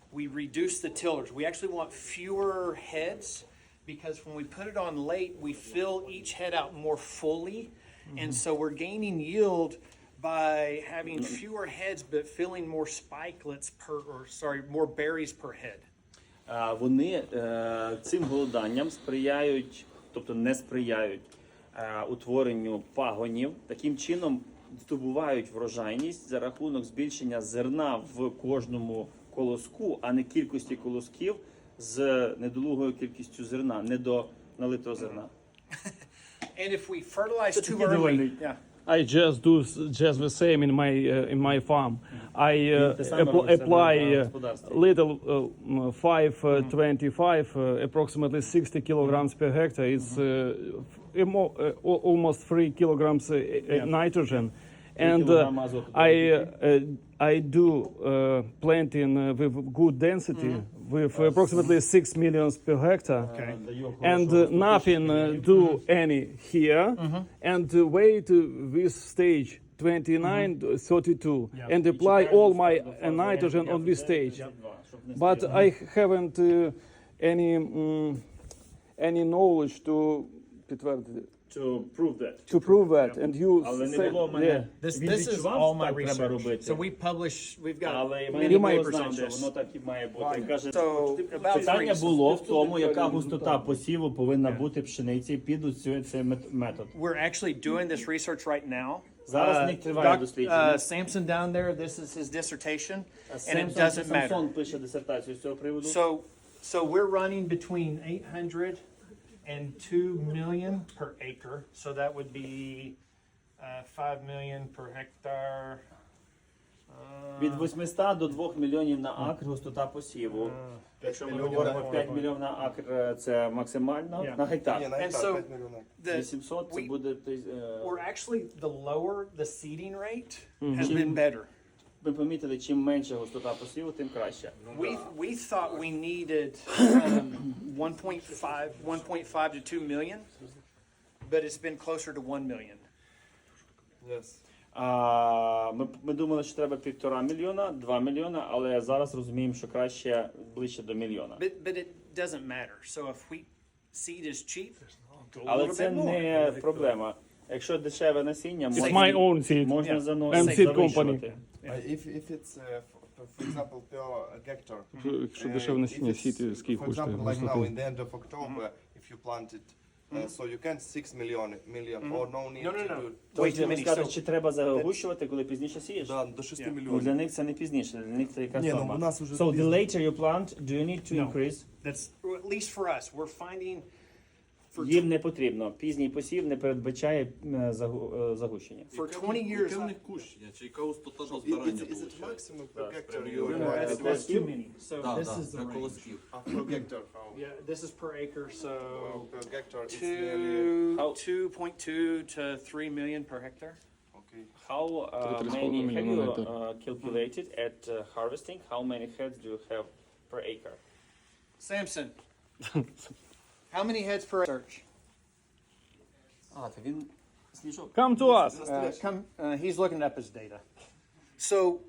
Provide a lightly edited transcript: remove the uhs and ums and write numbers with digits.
we reduce the tillers. We actually want fewer heads because when we put it on late, we fill each head out more fully. And so we're gaining yield by having fewer heads but filling more spikelets more berries per head. Вони цим голоданням сприяють, тобто не сприяють утворенню пагонів. Таким чином здобувають врожайність за рахунок збільшення зерна в кожному колоску, а не кількості колосків з недолугою кількістю зерна, недоналитого зерна. And if we fertilize too early, I just do just the same in my farm. I apply little 525, approximately 60 kilograms per hectare. It's almost 3 kilograms nitrogen. And I do planting with good density, with approximately 6 millions per hectare. Okay. And nothing do any here. And wait this stage 29, 32, and apply all my nitrogen on this stage. But I haven't any knowledge to підтвердити. To prove that. To prove that. And you Але не say, було в мене. This Він is відчував, all my так треба research. робити. So we've got Але many я не papers знав, on що this. воно так і має бути. Він каже, So, about питання three- було в тому, яка густота посіву повинна бути пшениці під цей метод. We're actually doing this research right now. Зараз в них триває дослідження. Samson down there, this is his dissertation, and it Самсон doesn't matter. Самсон пише дисертацію з цього приводу. So we're running between 800 and 2 million per acre. So that would be 5 million per hectare. Від 800 до 2 мільйонів на акр густота посіву. Якщо ми говоримо 5 мільйонів на акр, це максимально, на гектар. And so the, 800 це буде... we're actually, the lower the seeding rate has been better. Ми помітили, чим менше густота посіву, тим краще. We thought we needed 1.5 to 2 million, but it's been closer to 1 million. Yes. Ми думали, що треба 1,5 мільйона, 2 мільйона, але зараз розуміємо, що краще ближче до мільйона. But it doesn't matter. So if wheat seed is cheap, go a Але little це bit more. не проблема. Якщо дешеве насіння, It's my own seed. можна And seed company. завищувати. If it's, for example, per hectare. Якщо дешеве насіння, сіти, скільки For коштує example, like now густоти? in the end of October, if you plant it, so you can 6 million or no need No. to do. Way too many. Сказати, чи треба загущувати, коли пізніше сієш? Да, до 6 Yeah. Ну, мільйонів. для них це не пізніше, для них це якась Ні, ну, норма. у нас уже So the пізно. later you plant, do you need to No. increase? That's, or at least for us, we're finding for Їм не потрібно. Пізній посів не передбачає загущення. for 20 years. Яке в них кущення, чи яка густота до Is збирання it виходить? maximum per hectare прямі you говоря. require? That's too many. So Так, this так, is the для range. колосків. Per hectare, how? Yeah, this is per acre. So Per hectare, it's nearly. 2.2 to 3 million per hectare. Okay. How Три- many have мільйона you гектар. calculated at harvesting? How many heads do you have per acre? Samson, how many heads per search? Він сніжок. Come to us. He's looking up his data. So